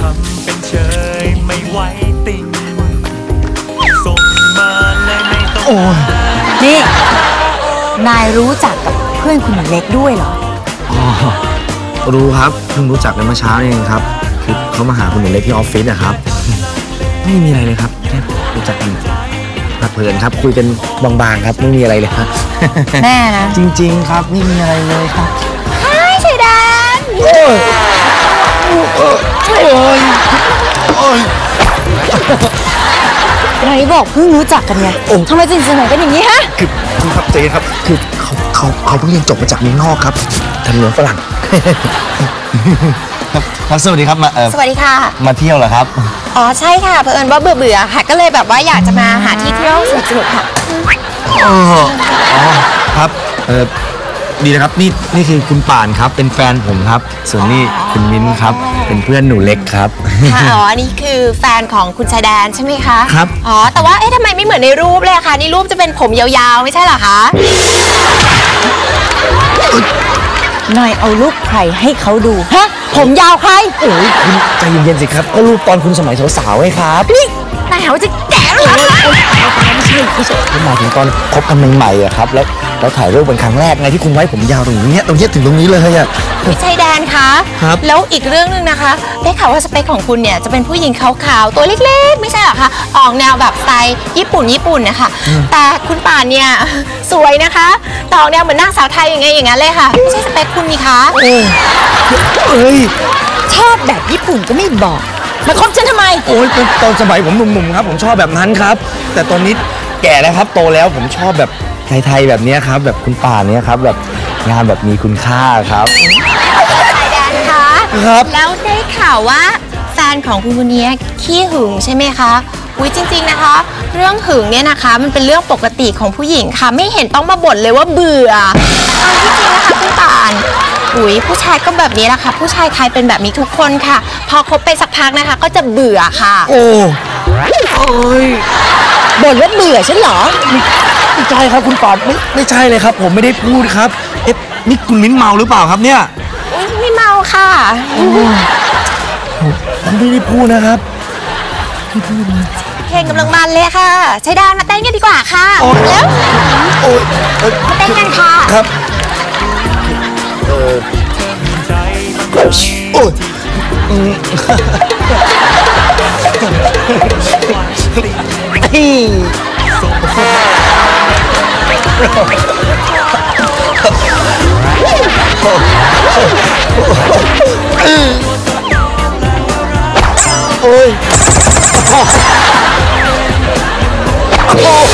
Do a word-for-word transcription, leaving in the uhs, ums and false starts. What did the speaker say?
ำเป็นเฉยไม่ไหวติงส่งมาเลยไม่ต้องโอ้นี่นายรู้จักกับเพื่อนคุณหนูเล็กด้วยเหรออ๋อรู้ครับเพิ่งรู้จักกันเมื่อเช้าเองครับคือเขามาหาคุณหนูเล็กที่ออฟฟิศนะครับไม่มีอะไรเลยครับแค่รู้จักกันพักเพลินครับคุยกันบางๆครับไม่มีอะไรเลยครับแน่นะจริงๆครับไม่มีอะไรเลยครับใช่ใช่ดันโอ้ยโอ้ยโอ้ยไหนบอกเพิ่งรู้จักกันไงทำไมจึงเสนอกันอย่างนี้ฮะคือคุณครับเจ๊ครับคือเขาเขาเขาเพิ่งเรียนจบมาจากเมืองนอกครับทำเมืองฝรั่งครับสวัสดีครับมาเออสวัสดีค่ะมาเที่ยวเหรอครับอ๋อใช่ค่ะเผอิญว่าเบื่อเบื่อค่ะก็เลยแบบว่าอยากจะมาหาที่เที่ยวสนุกๆค่ะอ๋อครับเออดีนะครับนี่นี่คือคุณป่านครับเป็นแฟนผมครับส่วนนี่คุณมิ้นครับเป็นเพื่อนหนูเล็กครับค่ะอ๋อนี่คือแฟนของคุณชายแดนใช่ไหมคะครับอ๋อแต่ว่าเอ๊ะทำไมไม่เหมือนในรูปเลยคะในรูปจะเป็นผมยาวๆไม่ใช่เหรอคะนายเอารูปใครให้เขาดูฮะผมยาวใครโอ้ยคุณใจเย็นๆสิครับก็รูปตอนคุณสมัยสาวๆไงครับนี่นายหาว่าจะแก่แล้วเหรอไม่ใช่ไม่ใช่ผมหมายถึงตอนคบกันใหม่ๆอะครับแล้วแล้วถ่ายรูปเป็นครั้งแรกไงที่คุณไว้ผมยาวตรงนี้ตรงนี้ถึงตรงนี้เลยอะพี่ชายแดนคะครับแล้วอีกเรื่องนึงนะคะได้ข่าวว่าสเปคของคุณเนี่ยจะเป็นผู้หญิงขาวๆตัวเล็กๆไม่ใช่หรอคะออกแนวแบบสไตล์ญี่ปุ่นญี่ปุ่นนะคะแต่คุณป่านเนี่ยสวยนะคะต่ออกแนวเหมือนนางสาวไทยอย่างไงอย่างนั้นเลยค่ะไม่ใช่สเปคคุณนี่คะเอ้ยชอบแบบญี่ปุ่นก็ไม่บอกมาคบฉันทำไมโอ้ยตอนสมัยผมหนุ่มๆครับผมชอบแบบนั้นครับแต่ตอนนี้แก่แล้วครับโตแล้วผมชอบแบบไทยๆแบบนี้ครับแบบคุณป่านเนี่ยครับแบบงานแบบมีคุณค่าครับชายแดนคะครับแล้วได้ข่าวว่าแฟนของคุณคนนี้ขี้หึงใช่ไหมคะอุ้ยจริงๆนะคะเรื่องหึงเนี่ยนะคะมันเป็นเรื่องปกติของผู้หญิงค่ะไม่เห็นต้องมาบ่นเลยว่าเบื่อเอาจริงๆนะคะคุณป่านอุ้ยผู้ชายก็แบบนี้แหละค่ะผู้ชายไทยเป็นแบบนี้ทุกคนค่ะพอคบไปสักพักนะคะก็จะเบื่อค่ะโอ้โอ้ยบ่นว่าเบื่อฉันเหรอไม่ใช่ครับคุณป่านไม่ไม่ใช่เลยครับผมไม่ได้พูดครับเอ๊ะนี่คุณมิ้นเมาหรือเปล่าครับเนี่ยไม่เมาค่ะผมไม่ได้พูดนะครับไม่พูดเลยเพลงกำลังมันเลยค่ะชายแดนมาเต้นกันดีกว่าค่ะแล้วมาเต้นกันค่ะครับเออโอ้ยโอ้ยโอ้